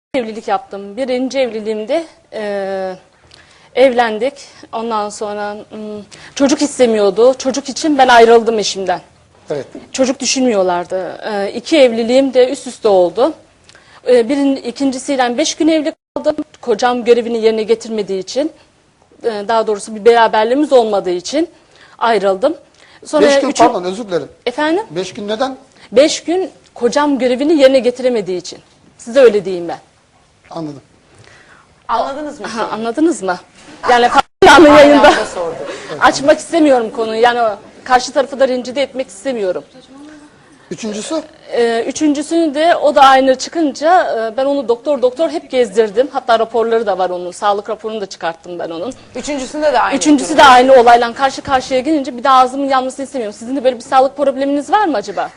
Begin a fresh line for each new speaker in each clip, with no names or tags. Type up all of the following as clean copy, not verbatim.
Evlilik yaptım. Birinci evliliğimde evlendik. Ondan sonra çocuk istemiyordu. Çocuk için ben ayrıldım eşimden.
Evet.
Çocuk düşünmüyorlardı. İki evliliğim de üst üste oldu. İkincisiyle 5 gün evli kaldım. Kocam görevini yerine getirmediği için, daha doğrusu bir beraberliğimiz olmadığı için ayrıldım. Sonra
5 gün pardon, özür dilerim.
Efendim?
5 gün neden?
5 gün kocam görevini yerine getiremediği için. Size öyle diyeyim ben.
Anladım.
Anladınız mı?
Anladınız mı? Yani canlı yayında
Aynı anda sordum.
açmak istemiyorum konuyu. Yani karşı tarafı da rencide etmek istemiyorum.
Üçüncüsü?
Üçüncüsünü de o da aynı çıkınca ben onu doktor hep gezdirdim. Hatta raporları da var onun. Sağlık raporunu da çıkarttım ben onun.
Üçüncüsünde de aynı.
Üçüncüsü de aynı olayla karşı karşıya gelince bir daha ağzımın yanmasını istemiyorum. Sizin de böyle bir sağlık probleminiz var mı acaba?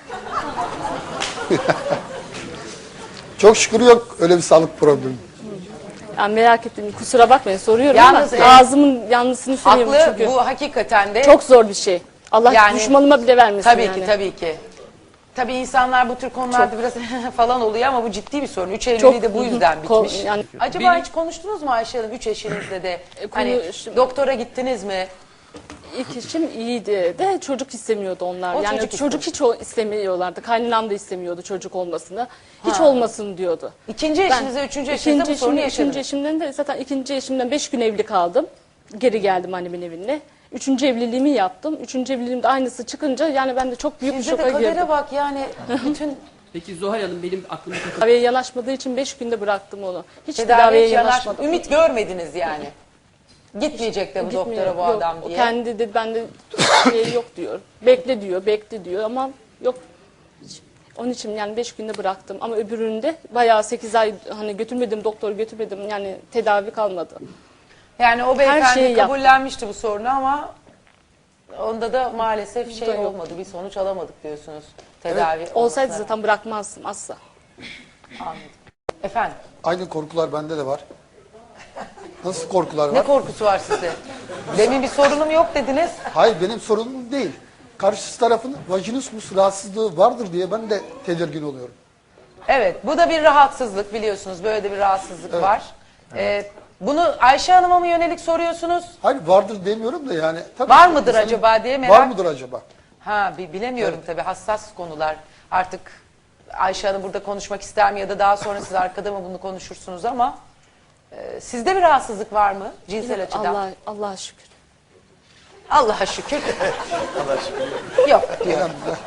Çok şükür yok öyle bir sağlık problemi.
Yani merak ettim. Kusura bakmayın soruyorum
Yalnız,
ama ağzımın yanmasını istemiyorum
Haklı,
çünkü.
bu hakikaten de.
Çok zor bir şey. Allah
Yani-
düşmanıma bile vermesin
Tabii
yani.
ki, tabii ki. Tabii insanlar bu tür konularda biraz falan oluyor ama bu ciddi bir sorun. Üç evliliği
Çok-
de bu yüzden bitmiş.
yani-
Acaba hiç konuştunuz mu Ayşe Hanım, üç eşinizle de? Hani
konuştum.
doktora gittiniz mi?
İlk eşim iyiydi de çocuk istemiyordu onlar.
O
Yani
çocuk
çocuk hiç istemiyorlardı. Kaynanam da istemiyordu çocuk olmasını. Hiç olmasın diyordu.
İkinci eşinize, üçüncü eşinize bu sorunu
üçüncü
yaşadınız.
eşimden de zaten ikinci eşimden 5 gün evli kaldım. Geri geldim annemin evine. Üçüncü evliliğimi yaptım. Üçüncü evliliğimde aynısı çıkınca yani ben de çok büyük bir
Sizde de
şoka girdim.
kadere bak yani bütün
Peki Zuhal Hanım benim aklıma takılan
Tedaviye yanaşmadığı için 5 günde bıraktım onu. Hiç
tedaviye
tedaviye
hiç
yanaşmadım.
ümit görmediniz yani. Gitmeyecek de bu
Gitmiyor.
doktora bu
Yok,
adam
o
diye.
kendi de bende şey yok diyor. Bekle diyor ama yok. Onun için yani 5 günde bıraktım ama öbüründe bayağı 8 ay hani doktor götürmedim yani tedavi kalmadı.
Yani o
Her
beyefendi
şeyi yap.
kabullenmişti bu sorunu ama onda da maalesef şey
Da yok.
olmadı, bir sonuç alamadık diyorsunuz. Tedavi
Olsaydı
olmasına
zaten bırakmazdım asla.
rağmen. Efendim,
Aynı korkular bende de var. Nasıl korkular
ne
var?
korkusu var sizde? Demin bir sorunum yok dediniz.
Hayır, benim sorunum değil. Karşı tarafın vajinismus rahatsızlığı vardır diye ben de tedirgin oluyorum.
Evet, bu da bir rahatsızlık biliyorsunuz. Böyle de bir rahatsızlık var. Bunu Ayşe Hanım'a mı yönelik soruyorsunuz?
Hayır, vardır demiyorum da yani. Tabii
Var
ki
mıdır
insanın-
acaba diye merak.
Var mıdır acaba?
Ha, bilemiyorum tabii, hassas konular. Artık Ayşe Hanım burada konuşmak ister mi ya da daha sonra siz arkada mı bunu konuşursunuz ama sizde bir rahatsızlık var mı cinsel açıdan?
Allah'a şükür.
Allah'a şükür. Allah'a şükür. Yok diyor.
Elhamdülillah.